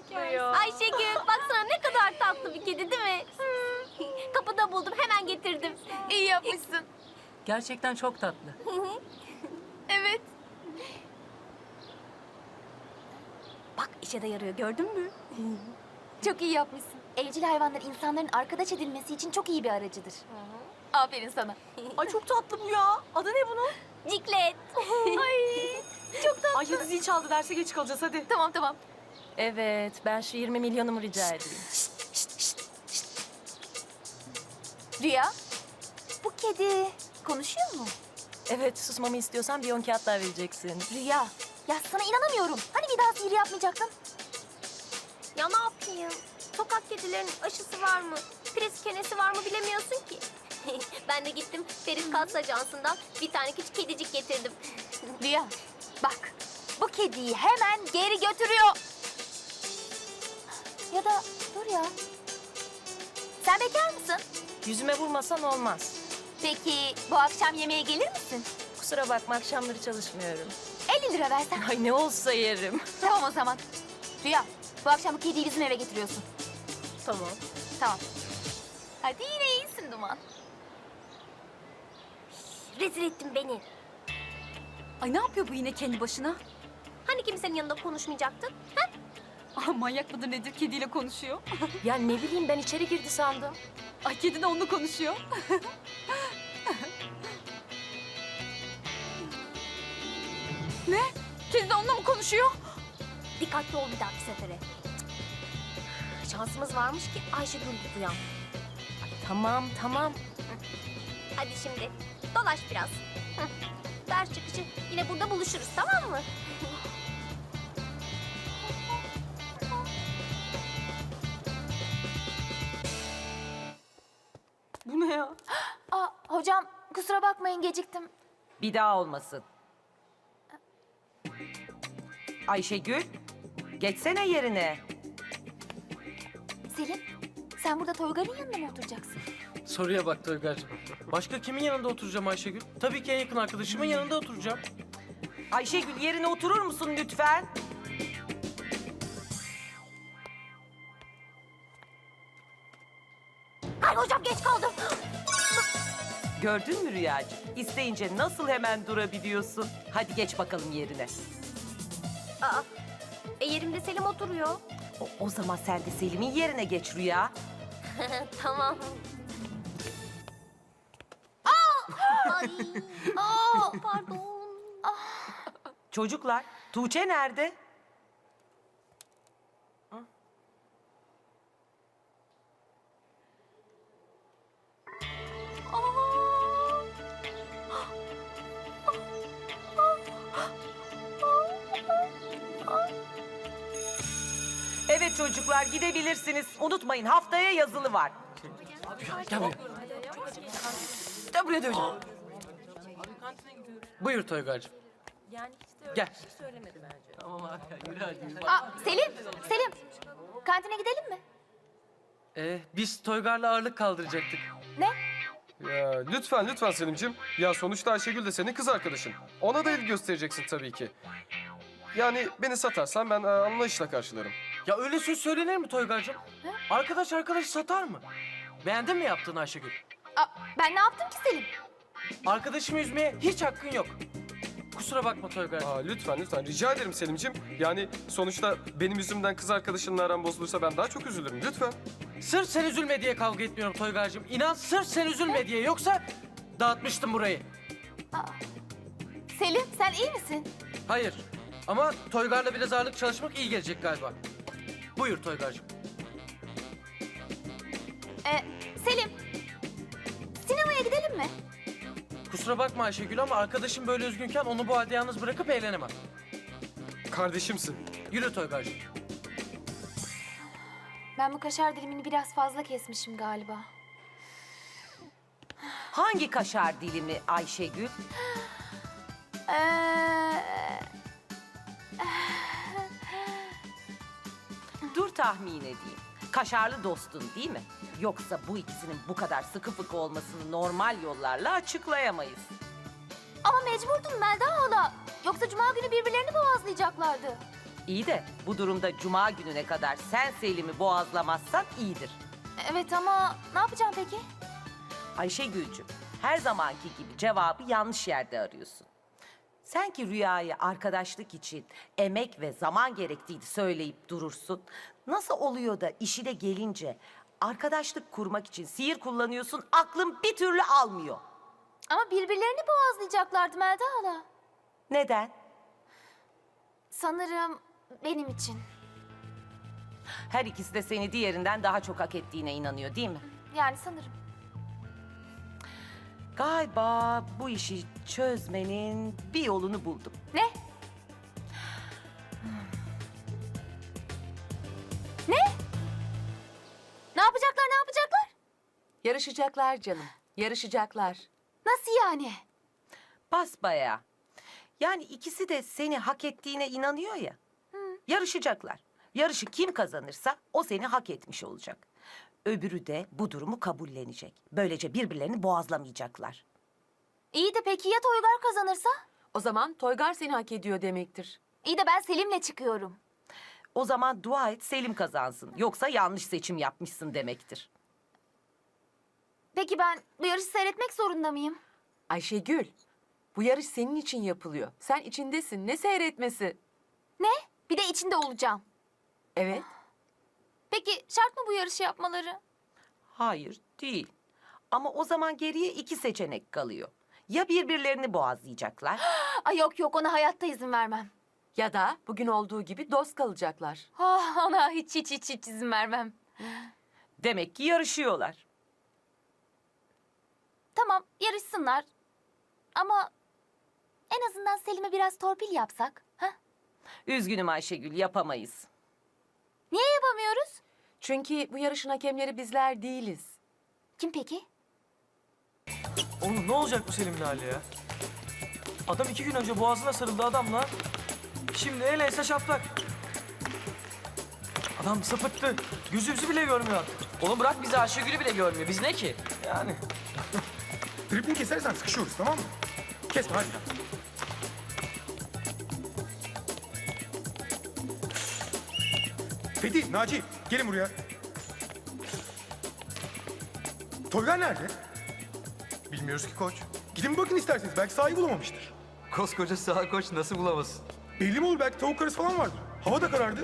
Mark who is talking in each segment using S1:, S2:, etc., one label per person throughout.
S1: tatlı ya.
S2: Ayşegül baksana ne kadar tatlı bir kedi değil mi? Kapıda buldum hemen getirdim.
S1: İyi yapmışsın.
S3: Gerçekten çok tatlı.
S1: Evet.
S2: Bak işe de yarıyor gördün mü?
S1: Çok iyi yapmışsın. Evcil hayvanlar insanların arkadaş edilmesi için çok iyi bir aracıdır. Aferin sana.
S4: Ay çok tatlı bu ya. Adı ne bunun?
S2: Ciklet.
S4: Ay hadi zil çaldı, derse geç kalacağız hadi.
S1: Tamam tamam.
S3: Evet, ben şu 20 milyonumu rica edeyim.
S1: Rüya, bu kedi konuşuyor mu?
S3: Evet, susmamı istiyorsan bir 10 kağıt daha vereceksin.
S1: Rüya, ya sana inanamıyorum. Hani bir daha sihir yapmayacaktın?
S2: Ya ne yapayım? Sokak kedilerinin aşısı var mı? Priz kenesi var mı bilemiyorsun ki. Ben de gittim Ferit Kalsa Ajansı'ndan bir tane küçük kedicik getirdim.
S1: Rüya, bak. Bu kediyi hemen geri götürüyor. Ya da dur ya. Sen bekar mısın?
S3: Yüzüme vurmasan olmaz.
S1: Peki bu akşam yemeğe gelir misin?
S3: Kusura bakma, akşamları çalışmıyorum.
S1: 50 lira versen.
S3: Ay ne olsa yerim.
S1: Tamam o zaman. Rüya, bu akşam bu kediyi bizim eve getiriyorsun.
S3: Tamam.
S1: Tamam. Hadi yine iyisin Duman.
S2: Rezil ettin beni.
S5: Ay ne yapıyor bu yine kendi başına?
S2: Hani kimsenin yanında konuşmayacaktın? Ha?
S5: Ah, manyak mıdır nedir kediyle konuşuyor.
S3: Ya ne bileyim, ben içeri girdi sandım.
S5: Ay kedi de onunla konuşuyor. Ne? Kedi de onunla mı konuşuyor?
S2: Dikkatli ol bir dahaki sefere. Şansımız varmış ki Ayşegül duyan.
S3: Tamam.
S2: Hadi şimdi dolaş biraz. Hı. Ders çıkışı yine burada buluşuruz tamam mı?
S4: Bu ne ya?
S1: Aa, hocam kusura bakmayın geciktim.
S6: Bir daha olmasın. Ayşegül, geçsene yerine.
S1: Selim, sen burada Toygar'ın yanında mı oturacaksın?
S7: Soruya bak Toygar'cığım. Başka kimin yanında oturacağım Ayşegül? Tabii ki en yakın arkadaşımın yanında oturacağım.
S6: Ayşegül yerine oturur musun lütfen?
S2: Ay hocam geç kaldım.
S6: Gördün mü Rüyacığım? İsteyince nasıl hemen durabiliyorsun? Hadi geç bakalım yerine.
S2: Aa, yerimde Selim oturuyor.
S6: O zaman sen de Selim'in yerine geç Rüya.
S2: Tamam. Ay, pardon.
S6: Çocuklar, Tuğçe nerede? Evet çocuklar gidebilirsiniz. Unutmayın haftaya yazılı var.
S7: Gel buraya.
S4: Gel buraya döveceğim.
S7: Buyur Toygar'cığım.
S3: Yani hiç de
S7: Gel.
S3: öyle bir şey söylemedi bence.
S1: Aa, Selim, kantine gidelim mi?
S7: Biz Toygar'la ağırlık kaldıracaktık.
S1: Ne?
S8: Ya lütfen Selim'ciğim. Ya sonuçta Ayşegül de senin kız arkadaşın. Ona da ilgi göstereceksin tabii ki. Yani beni satarsan ben anlayışla karşılarım.
S7: Ya öyle söz söylenir mi Toygar'cığım? Arkadaş arkadaşı satar mı? Beğendin mi yaptığını Ayşegül?
S1: Aa, ben ne yaptım ki Selim?
S7: Arkadaşımı üzmeye hiç hakkın yok. Kusura bakma Toygar'cığım.
S8: Lütfen rica ederim Selim'ciğim. Yani sonuçta benim yüzümden kız arkadaşınla aran bozulursa ben daha çok üzülürüm lütfen.
S7: Sırf sen üzülme diye kavga etmiyorum Toygar'cığım. İnan sırf sen üzülme diye. Yoksa dağıtmıştım burayı.
S1: Selim, sen iyi misin?
S7: Hayır. Ama Toygar'la biraz ağırlık çalışmak iyi gelecek galiba. Buyur Toygar'cığım.
S1: Selim, sinemaya gidelim mi?
S7: Kusura bakma Ayşegül ama arkadaşım böyle üzgünken onu bu halde yalnız bırakıp eğlenemem.
S8: Kardeşimsin.
S7: Yürü Toygar'cığım.
S1: Ben bu kaşar dilimini biraz fazla kesmişim galiba.
S6: Hangi kaşar dilimi Ayşegül? Dur tahmin edeyim. Kaşarlı dostun değil mi? Yoksa bu ikisinin bu kadar sıkı fıkı olmasını normal yollarla açıklayamayız.
S1: Ama mecburdum Melda hala. Yoksa cuma günü birbirlerini boğazlayacaklardı.
S6: İyi de bu durumda cuma gününe kadar sen Selim'i boğazlamazsan iyidir.
S1: Evet ama ne yapacağım peki?
S6: Ayşegül'cüm, her zamanki gibi cevabı yanlış yerde arıyorsun. Sen ki Rüya'ya arkadaşlık için emek ve zaman gerektiğini söyleyip durursun. Nasıl oluyor da işine gelince arkadaşlık kurmak için sihir kullanıyorsun, aklın bir türlü almıyor.
S1: Ama birbirlerini boğazlayacaklardı Melda hala.
S6: Neden?
S1: Sanırım benim için.
S6: Her ikisi de seni diğerinden daha çok hak ettiğine inanıyor, değil mi?
S1: Yani sanırım.
S6: Galiba bu işi çözmenin bir yolunu buldum.
S1: Ne? Ne? Ne yapacaklar, ne yapacaklar?
S4: Yarışacaklar canım. Yarışacaklar.
S1: Nasıl yani?
S6: Basbayağı. Yani ikisi de seni hak ettiğine inanıyor ya. Yarışacaklar. Yarışı kim kazanırsa o seni hak etmiş olacak. Öbürü de bu durumu kabullenecek. Böylece birbirlerini boğazlamayacaklar.
S1: İyi de peki ya Toygar kazanırsa?
S4: O zaman Toygar seni hak ediyor demektir.
S1: İyi de ben Selim'le çıkıyorum.
S6: O zaman dua et Selim kazansın. Yoksa yanlış seçim yapmışsın demektir.
S1: Peki ben bu yarışı seyretmek zorunda mıyım?
S4: Ayşegül, bu yarış senin için yapılıyor. Sen içindesin. Ne seyretmesi?
S1: Ne? Bir de içinde olacağım.
S4: Evet.
S1: Peki şart mı bu yarışı yapmaları?
S6: Hayır, değil. Ama o zaman geriye iki seçenek kalıyor. Ya birbirlerini boğazlayacaklar
S1: Ay yok yok ona hayatta izin vermem.
S4: Ya da bugün olduğu gibi dost kalacaklar.
S1: Ah, ona hiç izin vermem.
S6: demek ki yarışıyorlar.
S1: Tamam yarışsınlar. Ama en azından Selim'e biraz torpil yapsak. Ha?
S6: Üzgünüm Ayşegül, yapamayız.
S1: Niye yapamıyoruz?
S4: Çünkü bu yarışın hakemleri bizler değiliz.
S1: Kim peki?
S7: Oğlum ne olacak bu Selim'in hali ya? Adam 2 gün önce boğazına sarıldı adamla. Şimdi el ense şaplak. Adam sapıttı. Gözümüzü bile görmüyor artık.
S9: Oğlum bırak bizi Ayşegül'ü bile görmüyor. Biz ne ki?
S7: Yani.
S10: Tripini kesersen sıkışıyoruz, tamam mı? Kesme hadi. Fethi, Naci, gelin buraya. Toygar nerede?
S8: Bilmiyoruz ki koç.
S10: Gidin bakın isterseniz, belki sahibi bulamamıştır.
S9: Koskoca sağ koç nasıl bulamazsın?
S10: Belli mi olur, belki tavuk karısı falan vardır. Hava da karardı.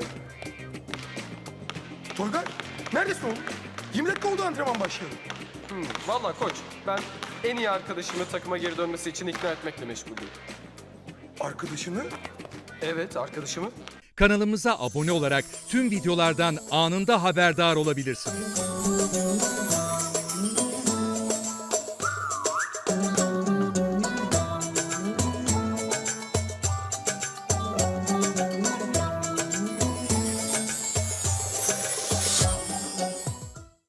S10: Toygar, neredesin oğlum? 20 dakika oldu antrenman başlayalım.
S8: Vallahi koç, ben en iyi arkadaşımı takıma geri dönmesi için ikna etmekle meşgulüm.
S10: Arkadaşını?
S8: Evet, arkadaşımı.
S11: Kanalımıza abone olarak tüm videolardan anında haberdar olabilirsiniz.